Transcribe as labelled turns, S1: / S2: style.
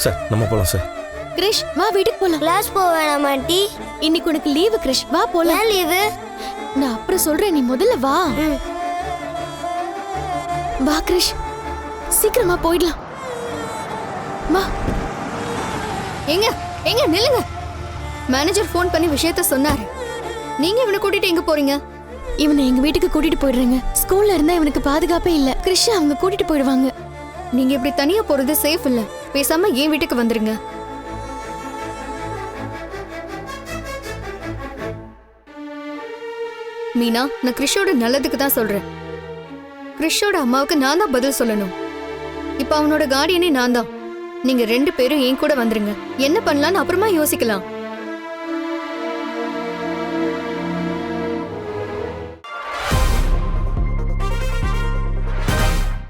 S1: Sir நம்ம போலாம் sir.
S2: Girish வா வீட்டுக்கு போலாம்.
S3: கிளாஸ் போக வேணாம் ஆண்டி.
S2: இன்னைக்கு உனக்கு லீவு கிரிஷ், வா போலாம்.
S3: ஏன் லீவு?
S2: நான் அப்புறம் சொல்றேன், நீ முதல்ல வா. வா கிரிஷ், சீக்கிரமா போயிடலாம். வா.
S4: எங்க எங்க நில்லுங்க. மேனேஜர் ஃபோன் பண்ணி விஷயத்த சொன்னாரு. நீங்க இவனை கூட்டிட்டு எங்க போறீங்க?
S2: இவனை எங்க வீட்டுக்கு கூட்டிட்டு போயிடுறேங்க. ஸ்கூல்ல இருந்தா இவனுக்கு பாதுகாப்பே இல்ல. கிரிஷ் அவங்க கூட்டிட்டு போயிடுவாங்க.
S4: நீங்க இப்படி தனியா போறது சேஃப் இல்ல. பேசாம என் வீட்டுக்கு வந்துருங்க. மீனா, நான் கிறிஷோட நல்லதுக்கு தான் சொல்றேன். கிறிஷோட அம்மாவுக்கு நான் தான் பதில் சொல்லணும். இப்ப அவனோட கார்டியனே நான் தான். நீங்க 2 பேரும் என் கூட வந்துருங்க. என்ன பண்ணலாம்னு அப்புறமா யோசிக்கலாம்.